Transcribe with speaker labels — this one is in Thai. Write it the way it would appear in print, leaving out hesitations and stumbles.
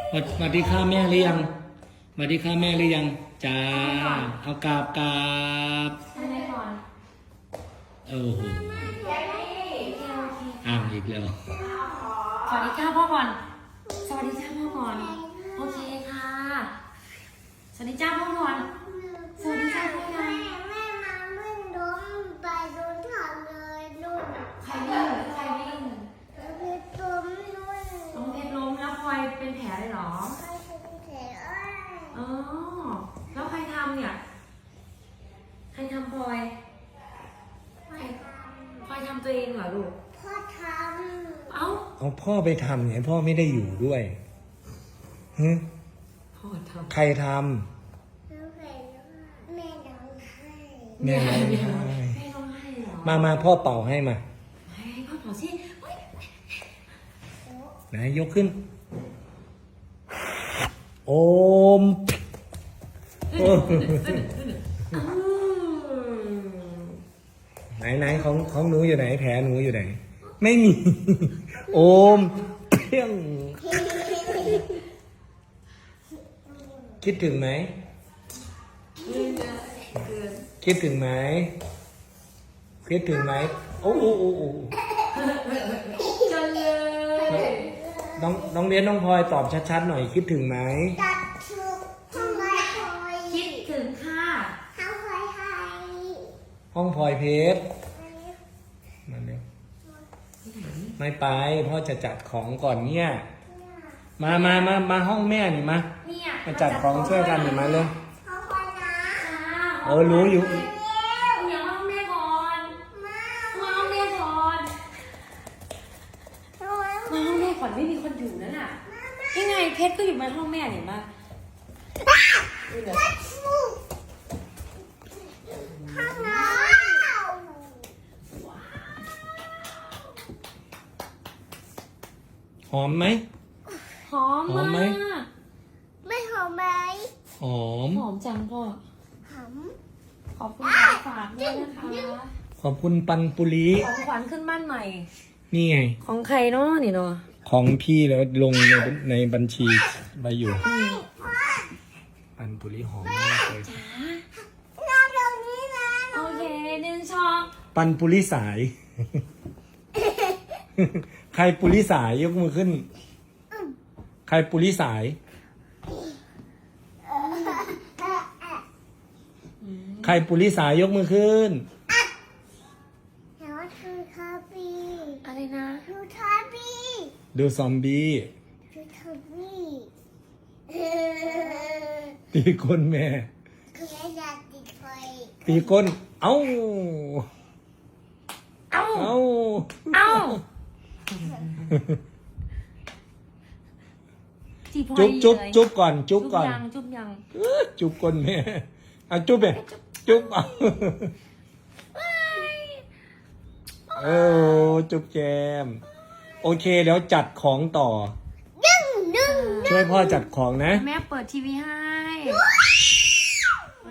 Speaker 1: สวัสดีค่ะแม่หรือยังสวัสดีค่ะแม่หรือยังจ้าเอากราบ
Speaker 2: ทำไมก่อน
Speaker 1: โอ้โหอ้าวอีกแล้ว
Speaker 2: สวัสดีจ้าพ่อก่อนสวัสดีจ้าพ่อก่อนโอเคค่ะสวัสดีจ้าพ่อก่อนสวัสดีจ้าพ่อก่อน
Speaker 3: แม่มาวิ่งล้มไปโดนถอดเลยนุ่น
Speaker 2: ใครวิ่งใครวิ่ง
Speaker 3: พี่ตุ้มนุ่น
Speaker 2: น้องเพชรล้มแล้วพลอยเป็นแผลเลยเหรอ
Speaker 3: ใครเป็นแผล
Speaker 2: อ๋อแล้วใครทำเนี่ยใครทำพลอยพลอยทำตัวเองเหรอลูก
Speaker 3: พ่อทำ
Speaker 1: เอาพ่อไปทำเนี่ยพ่อไม่ได้อยู่ด้วยฮึ
Speaker 2: พ่อทำ
Speaker 1: ใครทำ
Speaker 3: แม่ร้องไห้
Speaker 1: แม่ร้องไห้
Speaker 2: แม่ร้องไห้เหรอ
Speaker 1: มาพ่อเป่าให้มา
Speaker 2: ให้พ่อเป่าสิ
Speaker 1: ไหนยกขึ้นโอมไหนของหนูอยู่ไหนแผลหนูอยู่ไหนไม่มีโอมเพี้ยงคิดถึงไหมคิดถึงไหมคิดถึงไหมโอ้
Speaker 2: จังเลย
Speaker 1: น้องเรียนน้องพลอยตอบชัดๆหน่อยคิดถึงไหม
Speaker 3: ตัดชุดทำไมคอย
Speaker 2: คิดถึงค่ะ
Speaker 3: ทำคอยไทย
Speaker 1: ห้องพลอยเพชรมาเร็วไม่ไปพ่อจะจัดของก่อนเนี่ยมาห้องแม่หนิมาจัดของช่วยกันหนิมาเลย
Speaker 3: เขาคอยนะ
Speaker 1: รู้อยู่
Speaker 2: อย่าห้องแม่ก่อนมาห้องแม่ก่อนมาห้องแม่ก่อนไม่มีคนอยู่นั่นน่ะยังไงเพชรก็อยู่ในห้องแม่เห็นปะ
Speaker 3: ข้างน้
Speaker 1: หอมไหม
Speaker 2: หอมมาก
Speaker 3: ไม่หอมไหม
Speaker 1: หอม
Speaker 2: จังพ่อ
Speaker 3: หอม
Speaker 2: ขอบคุณของฝากด้วยนะคะ
Speaker 1: ขอบคุณปันปุรี
Speaker 2: ของขวัญขึ้นบ้านใหม่
Speaker 1: นี่ไง
Speaker 2: ของใครเนาะนี่เนาะ
Speaker 1: ของพี่แล้วลงในบัญชีไว้อยู่ปันปุรีหอมมากเลย
Speaker 3: เราตรงนี้นะ
Speaker 2: โอเค1 ช้อน
Speaker 1: ปันปุรีสายใครปุริสายยกมือขึ้นใครปุริสายใครปุริสายยกมือขึ้น
Speaker 3: แล้วคือคาบี
Speaker 2: อะไรนะ
Speaker 3: ดูคาบี
Speaker 1: ดูซอมบี้
Speaker 3: ดูคาบี
Speaker 1: ตีก้นแม่
Speaker 3: คืออยากติดไฟ
Speaker 1: ตีก้นเอ้าจุ๊บก่อนจุ๊บยังจุ๊บก้นแม่จุ๊บไปจุ๊บจุ๊บแจมโอเคแล้วจัดของต่อช่วยพ่อจัดของนะ
Speaker 2: แม่เปิดทีวีให้